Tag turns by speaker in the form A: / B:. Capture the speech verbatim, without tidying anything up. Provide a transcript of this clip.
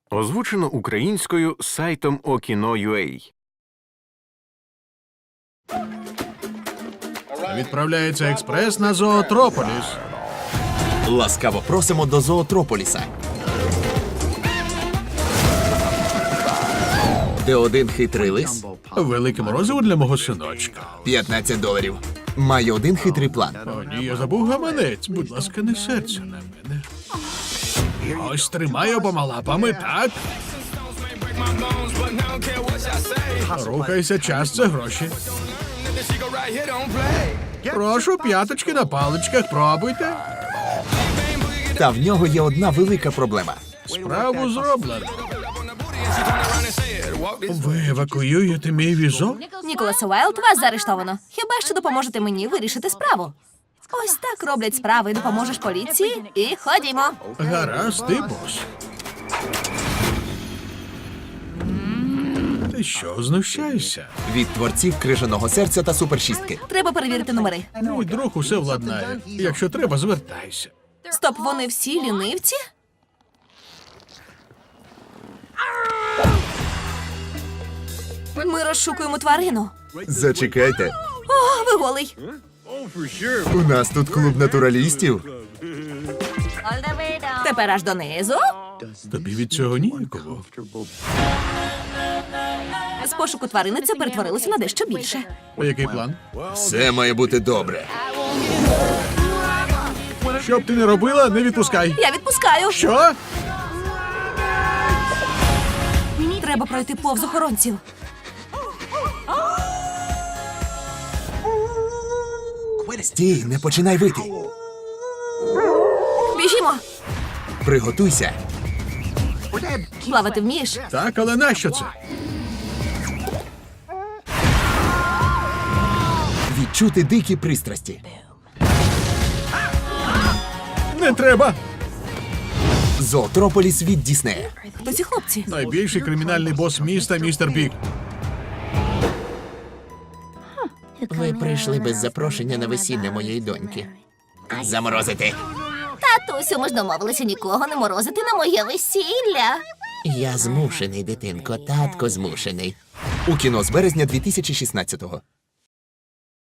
A: Озвучено українською сайтом Okino.ua.
B: Відправляється експрес на Зоотрополіс.
C: Ласкаво просимо до Зоотрополіса. Де один хитрий лис,
B: Велике морозиво для мого синочка.
C: п'ятнадцять доларів. Має один хитрий план.
B: О, ні, я забув гаманець. Будь ласка, не серця на мене. Ось тримай обома лапами, так? Рухайся, час це гроші. Прошу, п'яточки на паличках, пробуйте.
C: Та в нього є одна велика проблема.
B: Справу зроблено. Ви евакуюєте мій візок?
D: Ніколас Уайлд, вас заарештовано. Хіба що допоможете мені вирішити справу? Ось так роблять справи. Допоможеш поліції і ходімо.
B: Гаразд, ти бос. Ти що, знущаєшся?
C: Від творців крижаного серця та супершістки.
D: Треба перевірити номери.
B: Мій друг усе владнає. Якщо треба, звертайся.
D: Стоп, вони всі лінивці? Ми розшукуємо тварину.
C: Зачекайте.
D: О, ви голий.
C: У нас тут клуб натуралістів.
D: Тепер аж донизу.
B: Тобі від цього ніяково.
D: З пошуку тварини це перетворилося на дещо більше.
B: А який план?
C: Все має бути добре.
B: Що б ти не робила, не відпускай.
D: Я відпускаю.
B: Що?
D: Треба пройти повз охоронців.
C: Стій, не починай вити.
D: Біжімо.
C: Приготуйся.
D: Плавати вмієш?
B: Так, але нащо це?
C: Відчути дикі пристрасті.
B: Не треба.
C: Зоотрополіс від Діснея.
D: Хто ці хлопці?
B: Найбільший кримінальний бос міста, містер Біг.
C: Ви прийшли без запрошення на весілля моєї доньки. Заморозити.
D: Татусю, ми ж домовилися нікого не морозити на моє весілля.
C: Я змушений, дитинко, татко змушений. У кіно з березня дві тисячі шістнадцятого.